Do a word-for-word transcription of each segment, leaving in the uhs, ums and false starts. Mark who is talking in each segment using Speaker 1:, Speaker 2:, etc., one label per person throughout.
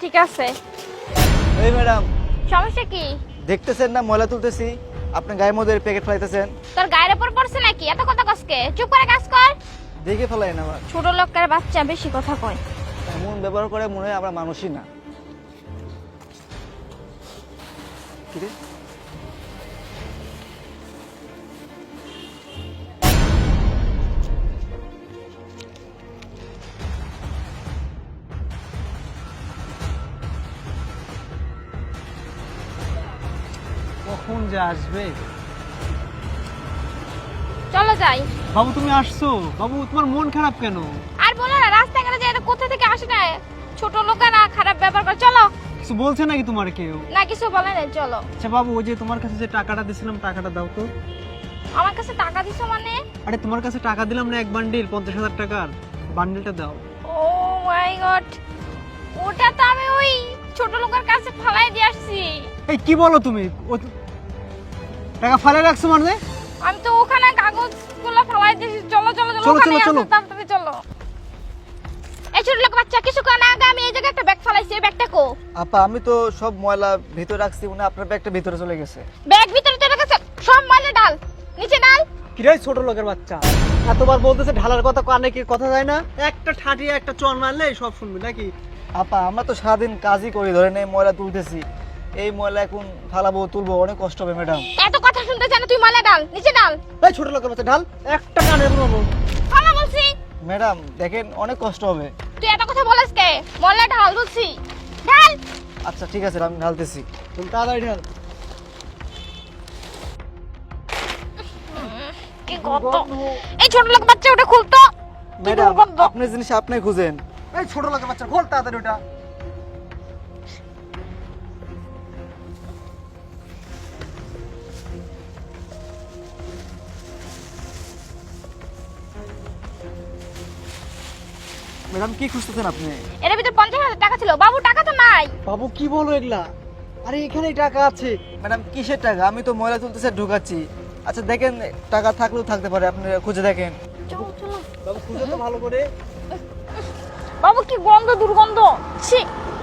Speaker 1: ঠিক আছে।
Speaker 2: এই ম্যাডাম,
Speaker 1: সমস্যা কি?
Speaker 2: দেখতেছেন না ময়লা তুলতেছি, আপনি গায়ের মধ্যে প্যাকেট ফেলাইতেছেন।
Speaker 1: তোর গায়ের উপর পড়ছে নাকি? এত কথা কসকে, চুপ করে কাজ কর।
Speaker 2: দেখে ফেলাই না, আমার
Speaker 1: ছোট লোকের বাচ্চা বেশি কথা কয়।
Speaker 2: এমন ব্যবহার করে মনে হয় আমরা মানুষই না। কি রে?
Speaker 3: কখন যে আসবে?
Speaker 1: চলো যাই।
Speaker 3: বাবু তুমি আসছো? বাবু তোমার মন খারাপ কেন?
Speaker 1: আর বলো না, রাস্তাঘাটে যে এটা কোথা থেকে আসে না, ছোট লোকেরা খারাপ ব্যবহার করে। চলো।
Speaker 3: কিছু বলছে নাকি তোমার কেউ?
Speaker 1: না, কিছু বলে না, চলো।
Speaker 3: আচ্ছা বাবু, ওই যে তোমার কাছে যে টাকাটা দিছিলাম, টাকাটা দাও তো।
Speaker 1: আমার কাছে টাকা দিছো মানে?
Speaker 3: আরে তোমার কাছে টাকা দিলাম না, এক বান্ডিল পঞ্চাশ হাজার টাকার, বান্ডিলটা দাও।
Speaker 1: ও মাই গড, ওটা তো আমি ওই ছোট লোকের কাছে ফালাই দিয়ে আসছি।
Speaker 3: এই কি বলো তুমি? ও টাকা ফালে রাখছো মানে?
Speaker 1: আমি তো ওখানে কাগজগুলো ফালাই দিয়েছি। চলো চলো চলো,
Speaker 3: চলো,
Speaker 1: ওখানে
Speaker 3: চলো, চলো।
Speaker 1: আসো, তাড়াতাড়ি চলো। এই ছোট লোক বাচ্চা, কিছুক্ষণ আগে আমি এই জায়গায় একটা ব্যাগ ফালাইছি, এই ব্যাগটা কো?
Speaker 2: আপা, আমি তো সব ময়লা ভিতরে রাখছি, উনি আপনার ব্যাগটা ভিতরে চলে গেছে।
Speaker 1: ব্যাগ ভিতরে চলে গেছে, সব ময়লা ডাল নিচে ডাল।
Speaker 3: কি রে ছোট লোকের বাচ্চা, এতবার বলতেছে ঢালার কথা, কানে কি কথা যায় না? একটা ঠাটিয়ে একটা চর মারলে সব শুনবি নাকি?
Speaker 2: আপা, আমরা তো সারাদিন কাজই করি, ধরেন এই ময়লা তুলতেছি, এই ময়লা এখন ফালাবো তুলবো, অনেক কষ্ট হবে ম্যাডাম।
Speaker 1: এত কথা শুনতে চাই না, তুই ময়লা ডাল নিচে ডাল।
Speaker 3: এই ছোট লোকের বাচ্চা, ঢাল একটা কানে বলবো।
Speaker 1: ফালা বলছি।
Speaker 2: ম্যাডাম দেখেন, অনেক কষ্ট হবে।
Speaker 1: তুই এত কথা বলিস কে? ময়লা ঢাল বলছি, ঢাল।
Speaker 2: আচ্ছা ঠিক আছে, আমি ঢালতেছি।
Speaker 3: তুমি তাড়াতাড়ি ঢাল।
Speaker 1: কি গন্ধ! এই ছোট লোক বাচ্চা, ওটা খুলতো। কি
Speaker 2: ম্যাডাম,
Speaker 1: দুর্গন্ধ!
Speaker 2: আপনার জিনিস আপনি খুঁজেন।
Speaker 3: এই ছোট লোকের বাচ্চা, খোল তাড়াতাড়ি ওটা।
Speaker 2: ম্যাডাম কি খুঁজতেছেন আপনি?
Speaker 1: এর ভিতরে পঞ্চাশ হাজার টাকা ছিল। বাবু, টাকা তো নাই।
Speaker 3: বাবু কি বলো এগুলা? আরে এখানেই টাকা আছে।
Speaker 2: ম্যাডাম কিসের টাকা? আমি তো ময়লা তুলতেছে ঢুকাচ্ছি। আচ্ছা দেখেন, টাকা থাকলেও থাকতে পারে, আপনি খুঁজে দেখেন।
Speaker 1: চলো চলো।
Speaker 3: বাবু খুঁজে তো ভালো করে।
Speaker 1: বাবু কি গন্ধ, দুর্গন্ধ! ছি!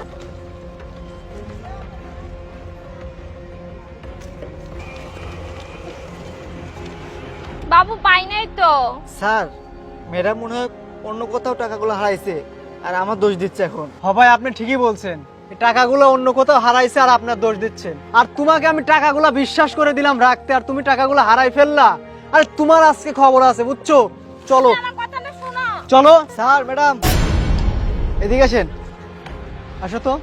Speaker 1: বাবু, পাই নাই তো।
Speaker 2: স্যার, ম্যাডাম মনে হয় অন্য কোথাও টাকাগুলো হারাইছে, আর আমার দোষ দিচ্ছে এখন।
Speaker 3: হ ভাই, আপনি ঠিকই বলছেন, এই টাকাগুলো অন্য কোথাও হারাইছে আর আপনার দোষ দিচ্ছেন। আর তোমাকে আমি টাকাগুলো বিশ্বাস করে দিলাম রাখতে, আর তুমি টাকাগুলো হারাই ফেললা। আর তোমার আজকে খবর আছে, বুঝছো? চলো
Speaker 1: আমার কথাটা শোনো।
Speaker 3: চলো।
Speaker 2: স্যার, ম্যাডাম এদিকে আসেন।
Speaker 3: আসো তো।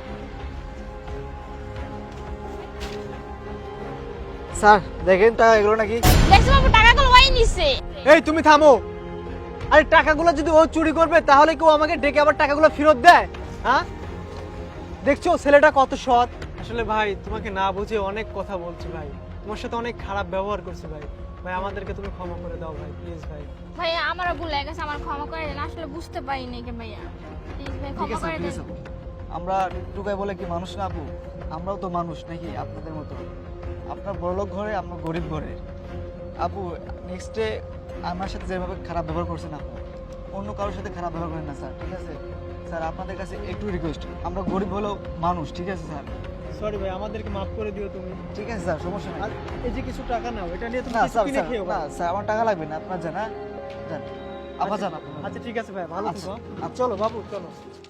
Speaker 2: স্যার দেখেন, টাকা এগুলো নাকি?
Speaker 1: দেখছো বাবু, টাকাগুলো ওই নিছে।
Speaker 3: এই তুমি থামো। আরে টাকাগুলো যদি ও চুরি করবে, তাহলে কেউ আমাকে ডেকে আবার টাকাগুলো ফেরত দেয়? হ্যাঁ, দেখছো ছেলেটা কত সৎ। আসলে ভাই, তোমাকে না বুঝে অনেক কথা বলছি ভাই, তোমার সাথে অনেক খারাপ ব্যবহার করছি ভাই। ভাই আমাদেরকে তুমি ক্ষমা করে দাও ভাই, প্লিজ ভাই।
Speaker 1: ভাইয়া, আমারও ভুল হয়ে গেছে, আমার ক্ষমা করে দেন। আসলে বুঝতে পারিনি কে ভাইয়া, প্লিজ ভাই
Speaker 2: ঠিক
Speaker 1: ক্ষমা
Speaker 2: আছে,
Speaker 1: করে
Speaker 2: ঠিক
Speaker 1: দেন।
Speaker 2: আছে। আমরা টুকাই বলে কি মানুষ না আপু? আমরাও তো মানুষ নাকি আপনাদের মতো? আপনার বড়লোক ঘরে, আমরা গরিব ঘরে। আপু, নেক্সটে আমার সাথে যেভাবে খারাপ ব্যবহার করছেন আপু, অন্য কারোর সাথে খারাপ ব্যবহার করেন না স্যার, ঠিক আছে? স্যার আপনাদের কাছে একটু রিকোয়েস্ট, আমরা গরিব হলেও মানুষ, ঠিক আছে স্যার?
Speaker 3: সরি ভাই, আমাদেরকে মাফ করে দিও তুমি।
Speaker 2: ঠিক আছে স্যার, সমস্যা
Speaker 3: আর
Speaker 2: নেই।
Speaker 3: এই যে কিছু টাকা নাও, এটা নিয়ে তুমি
Speaker 2: না
Speaker 3: কিছু
Speaker 2: স্যার,
Speaker 3: কিনে
Speaker 2: স্যার,
Speaker 3: খেও
Speaker 2: না
Speaker 3: ভাই।
Speaker 2: স্যার, আমার টাকা লাগবে না, আপনার জানা যান, আপা যান আপনার।
Speaker 3: আচ্ছা ঠিক আছে ভাই, ভালো
Speaker 2: আচ্ছা,
Speaker 3: থেকো।
Speaker 2: আচ্ছা।
Speaker 3: চলো বাবু, চলো।